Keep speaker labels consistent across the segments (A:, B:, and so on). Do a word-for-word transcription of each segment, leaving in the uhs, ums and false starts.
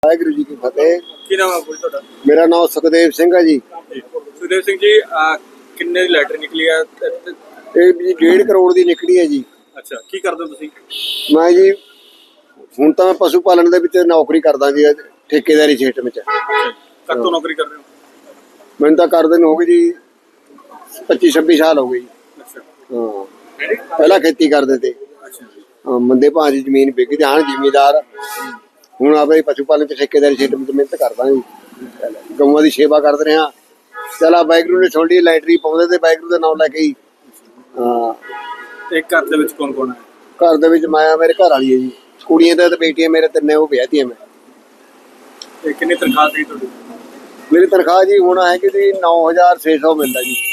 A: ਵਾਹਿਗੁਰੂ ਜੀ ਕੀ ਫਤਿਹ।
B: ਕੀ ਨਾਮ ਹੈ ਤੁਹਾਡਾ?
A: ਮੇਰਾ ਨਾਮ ਸੁਖਦੇਵ ਸਿੰਘ ਹੈ ਜੀ।
B: ਸੁਖਦੇਵ ਸਿੰਘ ਜੀ, ਅਹ, ਕਿੰਨੇ ਦੀ ਲੈਟਰ ਨਿਕਲੀ ਆ?
A: ਇਹ ਜੀ ਡੇਢ ਕਰੋੜ ਦੀ ਨਿਕਲੀ ਹੈ ਜੀ।
B: ਅੱਛਾ, ਕੀ ਕਰਦੇ ਹੋ ਤੁਸੀਂ?
A: ਮੈਂ ਜੀ ਹੁਣ ਤਾਂ ਮੈਂ ਪਸ਼ੂ ਪਾਲਣ ਦੇ ਵਿੱਚ ਨੌਕਰੀ ਕਰਦਾ ਜੀ, ਠੇਕੇਦਾਰੀ ਸਿਸਟਮ ਵਿੱਚ।
B: ਕਦ ਤੋਂ ਨੌਕਰੀ ਕਰ ਰਹੇ ਹੋ?
A: ਮੈਨੂੰ ਤਾਂ ਕਰਦੇ ਨੂੰ ਹੋ ਗਏ ਜੀ ਪੱਚੀ ਛੱਬੀ ਸਾਲ ਹੋ ਗਏ ਜੀ।
B: ਅੱਛਾ।
A: ਹਾਂ, ਪਹਿਲਾਂ ਖੇਤੀ ਕਰਦੇ ਤੇ।
B: ਅੱਛਾ।
A: ਹਾਂ, ਮੰਦੇ ਭਾਅ ਦੀ ਜ਼ਮੀਨ ਵਿਕ ਗਈ, ਹਾਂ ਜ਼ਿਮੀਦਾਰ। ਹੁਣ ਆਪੇ ਪਸ਼ੂ ਪਾਲਣ ਚ ਠੇਕੇਦਾਰੀ ਸਿਸਟਮ ਚ ਮਿਹਨਤ ਕਰਦਾ ਜੀ, ਗਊਆਂ ਦੀ ਸੇਵਾ ਕਰਦੇ ਰਹੇ ਹਾਂ। ਚਲਾ ਵਾਹਿਗੁਰੂ ਨੇ ਸੁਣ ਲਈ, ਲਾਈਟਰੀ ਪਾਉਂਦੇ ਤੇ ਵਾਹਿਗੁਰੂ ਦਾ ਨਾਮ ਲੈ ਕੇ ਹੀ। ਹਾਂ।
B: ਇੱਕ ਘਰ ਦੇ ਵਿੱਚ ਕੌਣ ਕੌਣ ਹੈ?
A: ਘਰ ਦੇ ਵਿੱਚ ਮੈਂ, ਮੇਰੇ ਘਰ ਵਾਲੀ ਹੈ ਜੀ, ਕੁੜੀਆਂ ਤੇ ਬੇਟੀਆਂ ਮੇਰੇ ਤਿੰਨੇ, ਉਹ ਵਿਆਹਤੀਆਂ ਮੈਂ।
B: ਤੇ ਕਿੰਨੀ ਤਨਖਾਹ ਸੀ ਤੁਹਾਡੀ?
A: ਮੇਰੀ ਤਨਖਾਹ ਜੀ ਹੁਣ ਹੈ ਕਿ ਜੀ ਨੌ ਹਜ਼ਾਰ ਛੇ ਸੌ ਮਿਲਦਾ ਜੀ।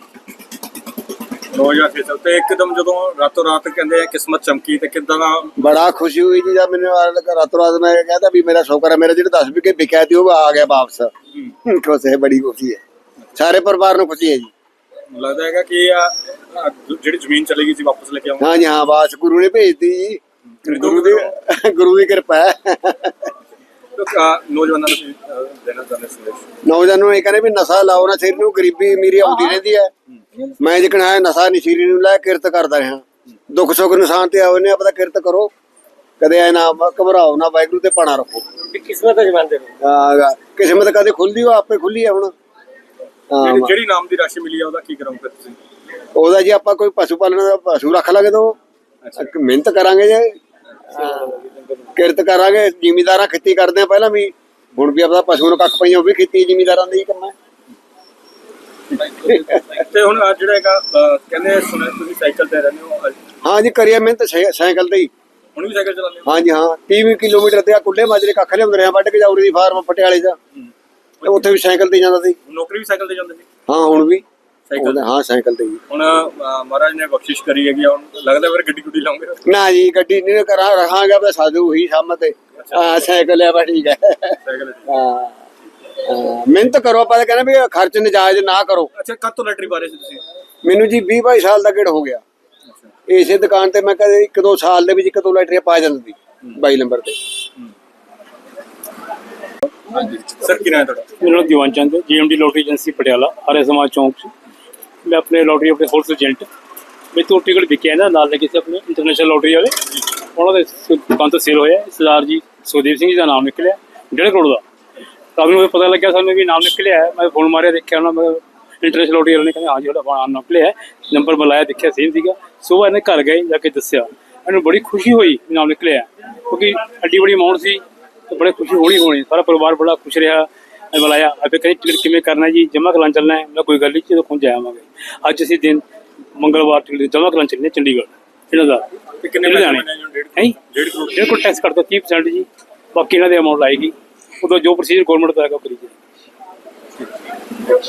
B: ਨੌ ਹਜ਼ਾਰ ਛੇ ਸੌ। ਤੇ ਇੱਕਦਮ ਜਦੋਂ ਰਾਤੋਂ ਰਾਤ ਕਹਿੰਦੇ ਆ ਕਿਸਮਤ ਚਮਕੀ, ਤੇ ਕਿੱਦਾਂ ਦਾ?
A: ਬੜਾ ਖੁਸ਼ੀ ਹੋਈ ਜੀ ਜਦ ਮੈਨੂੰ ਰਾਤੋਂ ਰਾਤ ਮੈਂ ਕਹਿੰਦਾ ਵੀ ਮੇਰਾ ਸ਼ੌਕਰ ਹੈ, ਮੇਰਾ ਜਿਹੜਾ ਦਸ ਵਿਕੇ ਵਿਕਿਆ ਸੀ ਉਹ ਆ ਗਿਆ ਵਾਪਸ। ਖੁਸ਼ ਹੈ, ਬੜੀ ਖੁਸ਼ੀ ਹੈ, ਸਾਰੇ ਪਰਿਵਾਰ ਨੂੰ ਖੁਸ਼ੀ ਹੈ ਜੀ।
B: ਲੱਗਦਾ ਹੈਗਾ ਕਿ ਆ ਜਿਹੜੀ ਜ਼ਮੀਨ ਚਲੀ ਗਈ ਸੀ ਵਾਪਸ ਲੈ ਕੇ ਆਉਂਗਾ।
A: ਹਾਂ ਜੀ ਹਾਂ, ਬਾਸ ਗੁਰੂ ਨੇ ਭੇਜਤੀ ਜੀ, ਗੁਰੂ ਦੀ ਗੁਰੂ ਦੀ ਕਿਰਪਾ ਹੈ।
B: ਨੌਜਵਾਨਾਂ ਨੂੰ ਦੇਣਾ ਚਾਹੁੰਦੇ ਸੰਦੇਸ਼?
A: ਨੌਜਵਾਨਾਂ ਨੂੰ ਇਹ ਕਹਿੰਦੇ ਵੀ ਨਸ਼ਾ ਲਾਓ ਨਾ ਸਿਰ ਨੂੰ, ਗਰੀਬੀ ਅਮੀਰੀ ਆਉਂਦੀ ਰਹਿੰਦੀ ਹੈ। ਮੈਂ ਜਿਕਣਾ ਹੈ ਨਸ਼ਾ ਨਸ਼ੀਰੀ ਨੂੰ ਲੈ ਕਿਰਤ ਕਰਦਾ ਰਿਹਾ, ਦੁੱਖ ਸੁੱਖ ਨਿਸ਼ਾਨ ਤੇ ਆਉਨੇ ਆਪਦਾ ਕਿਰਤ ਕਰੋ, ਕਦੇ ਐ ਨਾ ਘਬਰਾਓ ਨਾ, ਵਾਹਿਗੁਰੂ ਤੇ ਪਾਣਾ ਰੱਖੋ।
B: ਕਿਸਮਤ ਜਮਾਂਦੇ
A: ਹਾਂ, ਕਿਸਮਤ ਕਦੇ ਖੁੱਲਦੀ ਉਹ ਆਪੇ ਖੁੱਲੀ ਹੈ। ਹੁਣ
B: ਜਿਹੜੀ ਨਾਮ ਦੀ ਰਾਸ਼ੀ ਮਿਲੀ ਆ ਉਹਦਾ ਕੀ ਕਰਾਂਗੇ ਤੁਸੀਂ?
A: ਉਹਦਾ ਜੀ ਆਪਾਂ ਕੋਈ ਪਸ਼ੂ ਪਾਲਣ ਦਾ ਪਸ਼ੂ ਰੱਖ ਲਾਂਗੇ ਤਾਂ ਮਿਹਨਤ ਕਰਾਂਗੇ ਜੇ, ਕਿਰਤ ਕਰਾਂਗੇ। ਜ਼ਿਮੀਦਾਰਾਂ ਖੇਤੀ ਕਰਦੇ ਆ ਪਹਿਲਾਂ ਵੀ, ਹੁਣ ਵੀ ਆਪਦਾ ਪਸ਼ੂ ਨੂੰ ਕੱਖ ਪਈਆਂ, ਉਹ ਵੀ ਖੇਤੀ ਜ਼ਿਮੀਦਾਰਾਂ ਦਾ ਹੀ ਕੰਮ ਹੈ।
B: ਤੇ ਹੁਣ ਜਿਹੜਾ ਹੈਗਾ ਕਹਿੰਦੇ ਸੁਣਿਆ ਤੁਸੀਂ ਸਾਈਕਲ ਤੇ ਰਹਿੰਦੇ ਹੋ?
A: ਹਾਂ ਜੀ, ਕਰੀਏ ਮਿਹਨਤ ਸਾਈਕਲ ਤੇ ਹੀ।
B: ਹੁਣ ਵੀ ਸਾਈਕਲ ਚਲਾਉਂਦੇ ਹੋ?
A: ਹਾਂ ਜੀ ਹਾਂ, ਤੀਹ ਕਿਲੋਮੀਟਰ ਤੇ ਆ ਕੁੱਲੇ ਮਾਜਰੇ ਕੱਖ ਲਿਆਉਂਦੇ ਰਿਹਾ, ਵੱਢ ਕੇ ਜਾਉਰੀ ਦੀ ਫਾਰਮ ਪਟਿਆਲੇ ਦਾ, ਉੱਥੇ ਵੀ ਸਾਈਕਲ ਤੇ ਜਾਂਦਾ ਸੀ।
B: ਨੌਕਰੀ ਵੀ ਸਾਈਕਲ ਤੇ ਜਾਂਦੇ ਸੀ?
A: ਹਾਂ, ਹੁਣ ਵੀ
B: ਸਾਈਕਲ?
A: ਹਾਂ, ਸਾਈਕਲ ਤੇ ਹੀ।
B: ਹੁਣ ਮਹਾਰਾਜ ਨੇ ਬਖਸ਼ਿਸ਼ ਕਰੀ ਹੈਗੀ, ਹੁਣ ਲੱਗਦਾ ਫਿਰ ਗੱਡੀ ਗੁੱਡੀ ਲਾਉਂਗੇ?
A: ਨਾ ਜੀ, ਗੱਡੀ ਨਹੀਂ ਕਰਾਂ, ਰਹਾਂਗਾ ਬਸ ਸਾਧੂ ਹੀ ਸਾਹਮਣੇ ਤੇ। ਹਾਂ, ਸਾਈਕਲ ਆ ਬਸ, ਠੀਕ ਹੈ।
B: ਸਾਈਕਲ?
A: ਹਾਂ, ਮਿਹਨਤ ਕਰੋ, ਆਪਾਂ ਤਾਂ ਕਹਿੰਦੇ ਵੀ ਖਰਚ ਨਜਾਇਜ਼ ਨਾ ਕਰੋ।
B: ਅੱਛਾ, ਕਦ ਤੋਂ ਲੈਟਰੀ ਪਾ ਰਹੇ ਸੀ ਤੁਸੀਂ?
A: ਮੈਨੂੰ ਜੀ ਵੀਹ ਬਾਈ ਸਾਲ ਦਾ ਗੇੜ ਹੋ ਗਿਆ। ਇਸੇ ਦੁਕਾਨ ਤੇ ਮੈਂ ਕਦੇ ਇੱਕ ਦੋ ਸਾਲ ਦੇ ਵਿੱਚ ਇੱਕ ਦੋ ਲੈਟਰੀਆਂ ਪਾ ਜਾਂਦੀ ਬਾਈ ਨੰਬਰ ਤੇ।
B: ਸਰ, ਕੀ ਨਾਮ ਤੁਹਾਡਾ?
C: मेरा नाम दीवान चंद है, G M D lottery agency Patiala, Arya Samaj चौंक से। मैं अपने लॉटरी अपने होलसेल एजेंट मैं तो टिकट विके ना नाल लगे अपने इंटरनेशनल लॉटरी वाले, उन्होंने दुकान तो सेल होया। सरदार जी सुखदेव सिंह जी का नाम निकलिया डेढ़ करोड़ का। तब मुझे पता लगे सानू भी नाम निकलिया है। मैं फोन मारिया, देखा ना, मैं इंटरनेशनल लॉटरी वाले ने कहा हाँ जी थोड़ा नाम निकलिया है, नंबर बुलाया, देखा सेम सीगा। सुबह इन्हें घर गए, जाके दसिया, इन्हें बड़ी खुशी हुई नाम निकलिया, क्योंकि एड्डी बड़ी अमाउंट सी, तो बड़े खुशी होनी होनी। सारा परिवार बड़ा खुश रहा। बुलाया अभी कहीं टिकट किमें करना जी, जमा करान चलना है? मैं कोई गल नहीं, जो खुद जावांगे। अज असीं दिन मंगलवार टिकट जमा करान चलने चंडीगढ़ इन्हों का लुधियाने है। डेढ़ करोड़ टैक्स करता तीह परसेंट जी, बाकी इन्हों की अमाउंट आएगी, उदों जो प्रोसीजर गौरमेंट का है करी जाए।